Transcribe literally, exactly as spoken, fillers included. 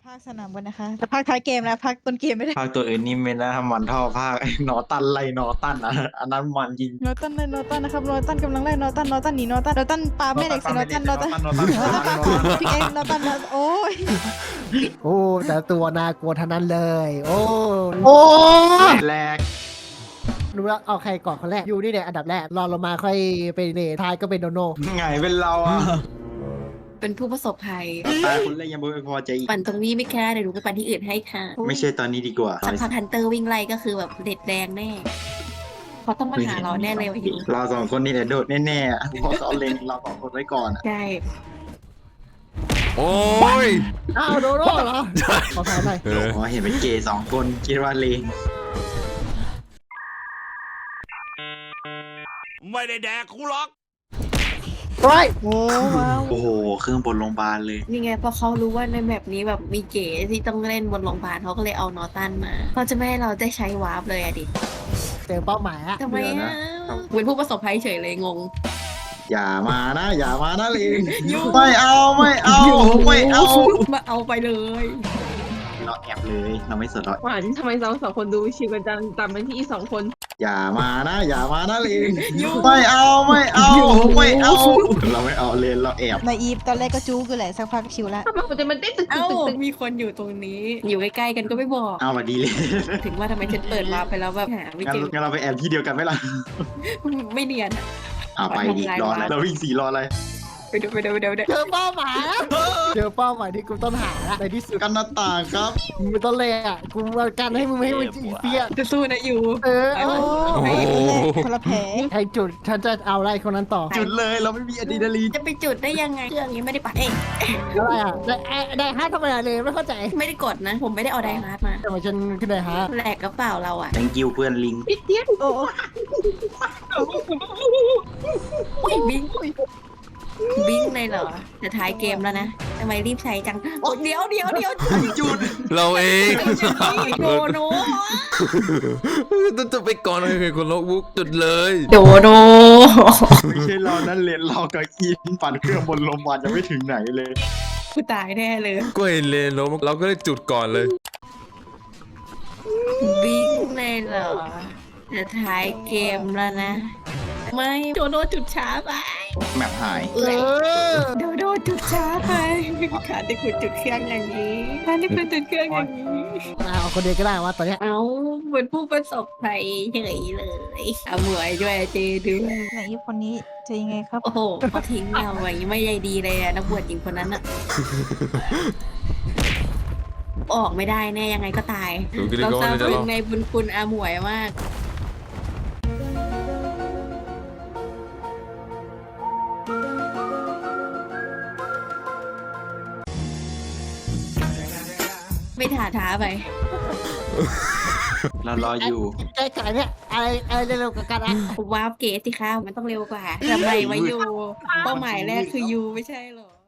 ภาคสนามบนนะคะแต่ภาคท้ายเกมแล้วภาคต้นเกมไม่ได้ภาคตัวอื่นนี่ไม่น่ามันเท่าภาคไอ้นอตันไล่นอตันอ่ะอันนั้นมันจริงโนตันเลยโนตันนะครับโนตันกำลังไล่โนตันโนตันหนีโนตันโนตันปาไม่เด็กสิโนตันโนตันโนตันโนตันปาของพี่เองโนตันโนโอ้ยโอ้แต่ตัวน่ากลัวทั้งนั้นเลย โอ้โอ้แรกรู้แล้วเอาใครก่อนคนแรกอยู่นี่เนี่ยอันดับแรกรอลงมาค่อยไปเลทายก็เป็นโนโนไงเป็นเราอ่ะเป็นผู้ประสบภัยตายคนแรกยังไม่พอใจอีกปั่นตรงนี้ไม่แค่เดี๋ยวหนูไปปั่นที่อื่นให้ค่ะไม่ใช่ตอนนี้ดีกว่าสักพักฮันเตอร์วิ่งไล่ก็คือแบบเด็ดแดงแน่เขาต้องมาหาเราแน่เลยว่าอยู่เราสองคนนี่แหละโดดแน่ๆอะเพราะเขาเล็งเราสองคนไว้ก่อนอะใช่โอ้ยอ้าวโนโนเหรอขอถามหน่อยเอออ๋อเห็นเป็นเกย์สองคนคิดว่าเลงไม่ได้แดกกูหรอกไรโอ้ว้าวโอ้โหเครื่องบนโรงพยาบาลเลยนี่ไงเพราะเขารู้ว่าในแบบนี้แบบมีเก๋ที่ต้องเล่นบนโรงพยาบาลเขาก็เลยเอานอตันมาเขาจะไม่ให้เราได้ใช้วาร์ปเลยอะดิเจอเป้าหมายอะทำไมเดี๋ยวอะนะเป็นผู้ประสบภัยเฉยเลยงงอย่ามานะ อย่ามานะเลงไม่เอาไม่เอาไม่เอามาเอาไปเลยเราแอบเลยเราไม่สนเราหวานทำไมเราสองคนดูชิวกันจังตามไปที่อีสองคนอย่ามานะ อย่ามานะเลงไม่เอาไม่เอาไม่เอาเราไม่เอาเลนเราแอบนายอีฟตอนแรกก็จู้กันแหละสักพักชิวแล้วทำไมหัวใจมันเต้นตึกตึเอ้ากตึกตึกมีคนอยู่ตรงนี้ อยู่ใกล้ๆกันก็ไม่บอกเอามาดีเลยถึงว่าทำไมฉันเปิดวาร์ปไปแล้วแบบหาไม่งั้นเจองั้นเราไปแอบที่เดียวกันไหมล่ะไม่เนียนอะอ่าไปดิรออะไรเราวิ่งสี่รออะไรไปดูไปดูไปดูไปดูเจอเป้าหมายแล้วเจอเป้าหมายที่กูต้องหาละในที่สุดกันหน้าต่างครับมึงไม่ต้องเลยอ่ะกูมากันให้มึงไม่ให้มึงจีเปียจะสู้นะอยู่เออโอ้เอานายอีฟคนแรกคนละแผลใครจุดฉันจะเอาอะไรคนนั้นต่อจุดเลยเราไม่มีอะดรีนาลีนจะไปจุดได้ยังไงเครื่องนี้ไม่ได้ปัดเองอะไรอ่ะได้ไอ้ได้ห้าทำไมอะเลยไม่เข้าใจไม่ได้กดนะ ผมไม่ได้เอาไดฮาร์ดมาทำไมฉันขึ้นได้ฮะแหลกกระเป๋าเราอ่ะ thank you เพื่อนลิงโอ้อุ้ยบิงบิงเลยเหรอจะท้ายเกมแล้วนะทำไมรีบใช้จังโอ้เดี๋ยวเดี๋ยวเดี๋ยวจุดเราเองโดโนต้องจะไปก่อนเลยคนลกบุ๊กจุดเลยโดโนไม่ใช่เรานั่นเลนเรากับอีนปั่นเครื่องบนโรงพยาบาลยังไม่ถึงไหนเลยกูตายแน่เลยก็เห็นเลนล้มเราก็ได้จุดก่อนเลยบิงเลยเหรอจะท้ายเกมแล้วนะ ไม่โดโนจุดช้าไปแมปหายเอ้ยเออโดโดจุดช้าไปขาดที่คุณจุดเครื่องอย่างนี้ขาดที่คุณจุดเครื่องอย่างนี้เอาคนเดียวก็ได้ว่าตอนเนี้ยเอาเหมือนผู้ประสบภัยเฉยเลยเอาหมวยด้วยเจด้วยนายอีฟคนนี้จะยังไงครับโอ้โหเขาทิ้งเราไว้ไม่ใยดีเลยอะนักบวชหญิงคนนั้นอะออกไม่ได้แน่ยังไงก็ตายดูกิริเราโก้ซาบเลยจะซึ้รงอในบุญคุณอาหมวยมาก ไม่ถาท้าไปเรารออยู่ไอ้ไก่เนี่ยอะไรอะไรเร็วๆกับกันอ่ะวาร์ปเกตสิคะมันต้องเร็วกว่าทำไมวะยูเป้าหมายแรกคือยูไม่ใช่เหรอ